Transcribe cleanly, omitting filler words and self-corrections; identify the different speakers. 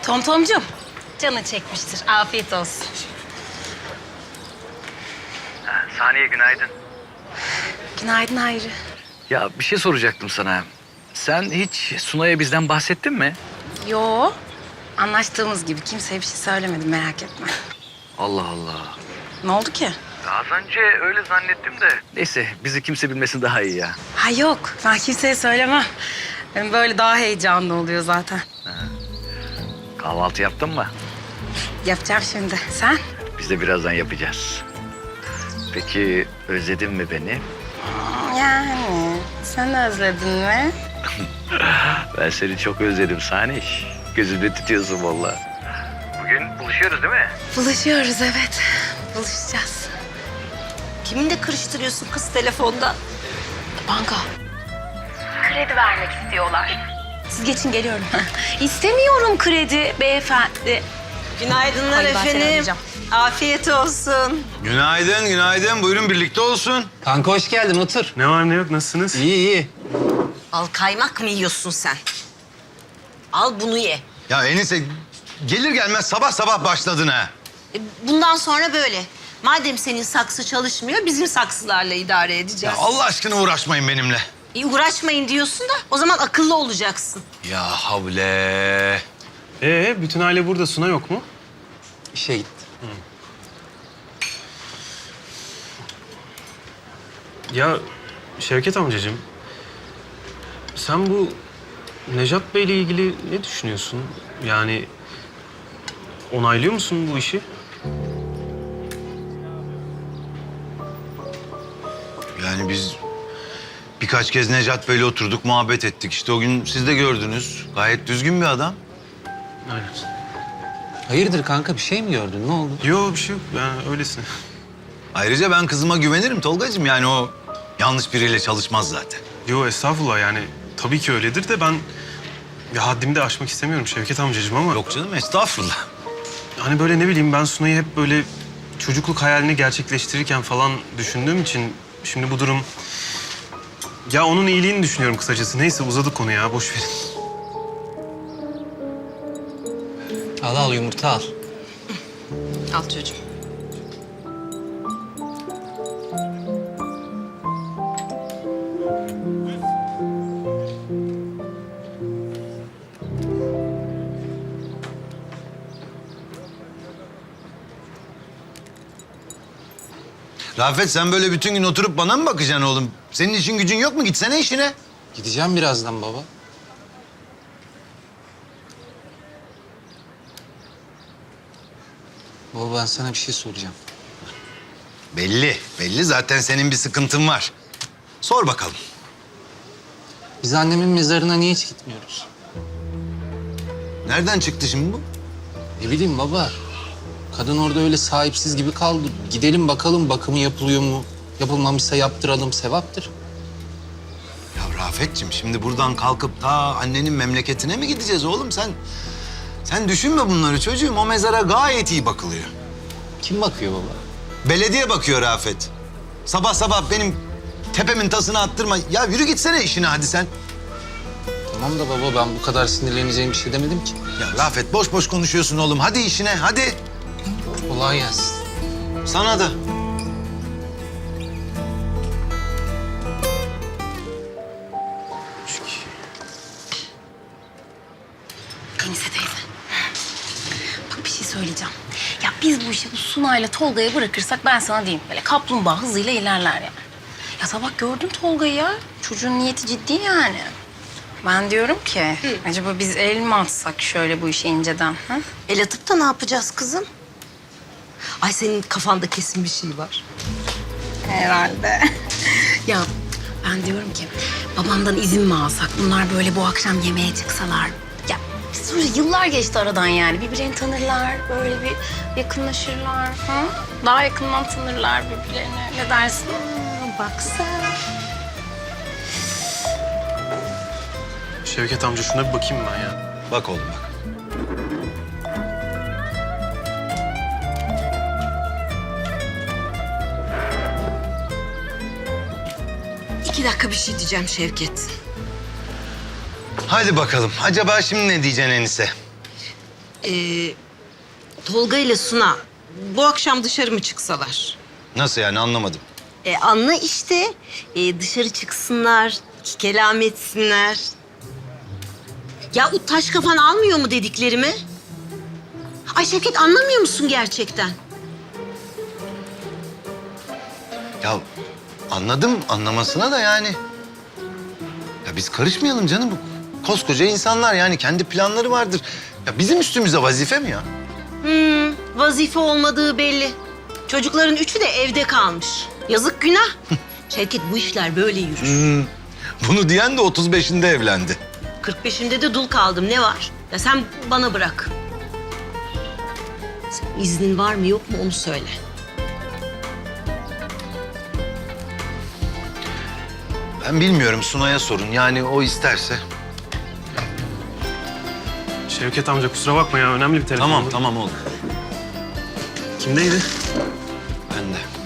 Speaker 1: Tomtomcum, canı çekmiştir. Afiyet olsun.
Speaker 2: Saniye günaydın.
Speaker 1: Günaydın Hayri.
Speaker 2: Ya bir şey soracaktım sana. Sen hiç Sunay'a bizden bahsettin mi?
Speaker 1: Yo, anlaştığımız gibi kimseye bir şey söylemedim, merak etme.
Speaker 2: Allah Allah.
Speaker 1: Ne oldu ki?
Speaker 2: Az önce öyle zannettim de. Neyse bizi kimse bilmesin daha iyi ya.
Speaker 1: Ha yok, ben kimseye söylemem. Benim böyle daha heyecanlı oluyor zaten.
Speaker 2: Kahvaltı yaptın mı?
Speaker 1: Yapacağım şimdi. Sen?
Speaker 2: Biz de birazdan yapacağız. Peki özledin mi beni?
Speaker 1: Yani sen özledin mi?
Speaker 2: Ben seni çok özledim Saniş. Gözümde tutuyorsun vallahi. Bugün buluşuyoruz değil mi?
Speaker 1: Buluşuyoruz evet. Buluşacağız.
Speaker 3: Kiminle karıştırıyorsun kız telefonda?
Speaker 1: Banka. Kredi vermek istiyorlar. Siz geçin geliyorum. İstemiyorum kredi beyefendi.
Speaker 3: Günaydınlar
Speaker 1: Hadi ben seni
Speaker 3: efendim.
Speaker 1: arayacağım.
Speaker 3: Afiyet olsun.
Speaker 4: Günaydın, günaydın. Buyurun birlikte olsun.
Speaker 5: Kanka hoş geldin, otur.
Speaker 6: Ne var ne yok, nasılsınız?
Speaker 5: İyi, iyi.
Speaker 3: Al kaymak mı yiyorsun sen? Al bunu ye.
Speaker 4: Ya Enise gelir gelmez sabah sabah başladın ha.
Speaker 3: Bundan sonra böyle. Madem senin saksı çalışmıyor, bizim saksılarla idare
Speaker 4: Ya
Speaker 3: edeceğiz.
Speaker 4: Allah aşkına uğraşmayın benimle.
Speaker 3: Uğraşmayın diyorsun da o zaman akıllı olacaksın.
Speaker 4: Ya havle.
Speaker 6: Bütün aile burada, Suna yok mu?
Speaker 5: İşe gitti.
Speaker 6: Ya Şevket amcacığım, sen bu Nejat Bey'le ilgili ne düşünüyorsun? Yani onaylıyor musun bu işi?
Speaker 4: Yani biz birkaç kez Necat Bey'le oturduk, muhabbet ettik. İşte o gün siz de gördünüz. Gayet düzgün bir adam.
Speaker 6: Aynen.
Speaker 5: Hayırdır kanka, bir şey mi gördün? Ne oldu?
Speaker 6: Yok bir şey yok, yani öylesine.
Speaker 4: Ayrıca ben kızıma güvenirim Tolgacığım. Yani o yanlış biriyle çalışmaz zaten.
Speaker 6: Yok estağfurullah, yani tabii ki öyledir de ben ya haddimi de aşmak istemiyorum Şevket amcacığım ama...
Speaker 4: Yok canım estağfurullah.
Speaker 6: Hani böyle ne bileyim, ben Sunay'ı hep böyle çocukluk hayalini gerçekleştirirken falan düşündüğüm için şimdi bu durum... Ya onun iyiliğini düşünüyorum kısacası. Neyse uzadık konu ya, boş verin.
Speaker 5: Al yumurta al.
Speaker 3: Al çocuğum.
Speaker 4: Rafet sen böyle bütün gün oturup bana mı bakacaksın oğlum? Senin işin gücün yok mu? Gitsene işine.
Speaker 5: Gideceğim birazdan baba. Baba ben sana bir şey soracağım.
Speaker 4: Belli, belli. Zaten senin bir sıkıntın var. Sor bakalım.
Speaker 5: Biz annemin mezarına niye hiç gitmiyoruz?
Speaker 4: Nereden çıktı şimdi bu?
Speaker 5: Ne bileyim baba. Kadın orada öyle sahipsiz gibi kaldı. Gidelim bakalım bakımı yapılıyor mu? Yapılmamışsa yaptıralım, sevaptır.
Speaker 4: Ya Rafetciğim şimdi buradan kalkıp ta annenin memleketine mi gideceğiz oğlum sen? Sen düşünme bunları çocuğum. O mezara gayet iyi bakılıyor.
Speaker 5: Kim bakıyor baba?
Speaker 4: Belediye bakıyor Rafet. Sabah sabah benim tepemin tasını attırma. Ya yürü gitsene işine hadi sen.
Speaker 5: Tamam da baba ben bu kadar sinirleneceğim bir şey demedim ki.
Speaker 4: Ya Rafet boş boş konuşuyorsun oğlum. Hadi işine hadi.
Speaker 5: Kolay gelsin.
Speaker 4: Sana da.
Speaker 1: Enise teyze. Bak bir şey söyleyeceğim. Ya biz bu işi bu Sunay'la Tolga'ya bırakırsak ben sana diyeyim. Böyle kaplumbağa hızıyla ilerler yani. Ya sabah gördün Tolga'yı ya. Çocuğun niyeti ciddi yani. Ben diyorum ki acaba biz el mi atsak şöyle bu işe inceden? Ha?
Speaker 3: El atıp da ne yapacağız kızım? Ay senin kafanda kesin bir şey var.
Speaker 1: Herhalde. Ya ben diyorum ki babamdan izin mi alsak? Bunlar böyle bu akşam yemeğe çıksalar. Ya sonra yıllar geçti aradan yani. Birbirlerini tanırlar, böyle bir yakınlaşırlar. Ha? Daha yakından tanırlar birbirlerini. Ne dersin?
Speaker 3: Bak sen.
Speaker 6: Şevket amca şuna bir bakayım ben ya.
Speaker 4: Bak oğlum bak.
Speaker 3: İki dakika bir şey diyeceğim Şevket.
Speaker 4: Hadi bakalım. Acaba şimdi ne diyeceksin Enise?
Speaker 3: Tolga ile Suna bu akşam dışarı mı çıksalar?
Speaker 4: Nasıl yani anlamadım.
Speaker 3: Anla işte. Dışarı çıksınlar, iki kelam etsinler. Ya o taş kafan almıyor mu dediklerimi? Ay Şevket, anlamıyor musun gerçekten?
Speaker 4: Ya anladım anlamasına da yani. Ya biz karışmayalım canım. Koskoca insanlar yani kendi planları vardır. Ya bizim üstümüze vazife mi ya?
Speaker 3: Vazife olmadığı belli. Çocukların üçü de evde kalmış. Yazık, günah. Şevket, bu işler böyle yürür.
Speaker 4: Bunu diyen de 35'inde evlendi.
Speaker 3: 45'inde de dul kaldım, ne var? Ya sen bana bırak. Sen iznin var mı yok mu onu söyle.
Speaker 4: Ben bilmiyorum, Sunay'a sorun. Yani o isterse.
Speaker 6: Şevket amca kusura bakma ya önemli bir telefon.
Speaker 4: Tamam oğlum.
Speaker 6: Kimdeydi?
Speaker 4: Ben de.